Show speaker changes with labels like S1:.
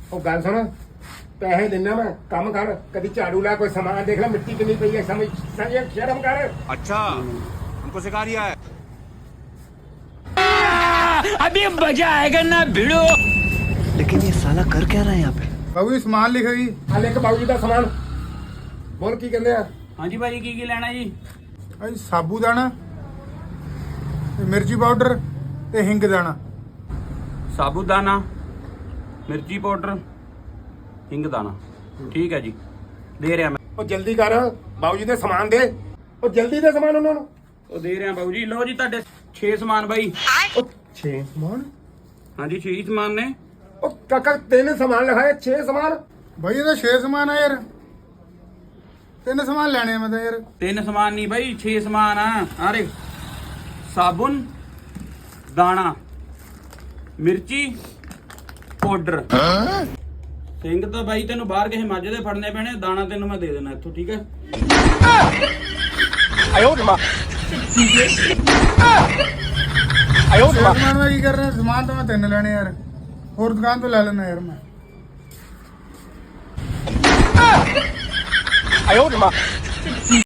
S1: ਉਹ ਗੱਲ ਸੁਣ ਪੈਸੇ ਦਿੰਨਾ ਮੈਂ ਕੰਮ ਕਰ ਕਦੀ ਝਾੜੂ ਲਾ ਕੋਈ ਸਮਾਨ ਦੇਖ ਲੈ ਮਿੱਟੀ ਕਿੰਨੀ ਪਈ ਹੈ ਸਮਝ ਸ਼ਰਮ ਕਰ
S2: अच्छा हमको सिखा रिया है
S3: अभी मजा आएगा ना भिड़ो।
S4: लेकिन ये साला कर क्या रहा है यहाँ पे?
S5: ਬਾਬੂ ਜੀ ਸਮਾਨ ਲਿਖੋ ਜੀ।
S1: ਆ ਲੈ ਕੇ ਬਾਊ ਜੀ ਦਾ ਸਮਾਨ ਬੋਲ ਕੀ ਕਹਿੰਦੇ ਆ
S3: ਹਾਂਜੀ ਭਾਜੀ ਕੀ ਲੈਣਾ ਜੀ?
S5: ਭਾਈ ਸਾਬੂ ਦਾਣਾ ਤੇ ਮਿਰਚੀ ਪਾਊਡਰ ਤੇ ਹਿੰਗ ਦਾਣਾ।
S3: ਸਾਬੂਦਾਨਾ, ਮਿਰਚੀ ਪਾਊਡਰ, ਹਿੰਗ ਦਾਣਾ। ਠੀਕ ਹੈ ਜੀ, ਦੇ ਰਿਹਾ ਮੈਂ।
S1: ਉਹ ਜਲਦੀ ਕਰ ਬਾਊ ਜੀ ਦੇ ਸਮਾਨ ਦੇ ਉਹ ਜਲਦੀ ਦੇ ਸਮਾਨ ਉਹਨਾਂ ਨੂੰ
S3: ਉਹ ਦੇ ਰਿਹਾ ਬਾਬੂ ਜੀ। ਲਓ ਜੀ ਤੁਹਾਡੇ 6 ਸਮਾਨ ਬਾਈ।
S1: ਉਹ 6 ਸਮਾਨ
S3: ਹਾਂਜੀ 6 ਸਮਾਨ ਨੇ।
S1: ਉਹ ਕਾਕਾ 3 ਸਮਾਨ ਲਿਖਾਏ 6 ਸਮਾਨ
S5: ਭਾਈ ਇਹਦਾ 6 ਸਮਾਨ ਆ ਯਾਰ। 3 ਸਮਾਨ ਲੈਣੇ ਆ ਮੈਂ ਤਾਂ ਯਾਰ।
S3: 3 ਸਮਾਨ ਨਹੀਂ ਬਾਈ 6 ਸਮਾਨ ਆ। ਆਰੇ ਸਾਬੁਨ, ਦਾਣਾ, ਮਿਰਚੀ ਪਾਊਡਰ। ਸਿੰਘ ਤਾਂ ਬਾਈ ਤੈਨੂੰ ਬਾਹਰ ਕਿਸੇ ਮੱਝ ਦੇ ਫੜਨੇ ਪੈਣੇ। ਦਾਣਾ ਤੈਨੂੰ ਮੈਂ ਦੇ ਦੇਣਾ ਇੱਥੋਂ, ਠੀਕ ਹੈ?
S5: ਸਮਾਨ ਮੈਂ ਕੀ ਕਰ ਰਿਹਾ? ਸਮਾਨ ਤਾਂ ਮੈਂ 3 ਲੈਣੇ ਯਾਰ। ਹੋਰ ਦੁਕਾਨ ਤੋਂ ਲੈ ਲੈਣਾ ਯਾਰ ਮੈਂ।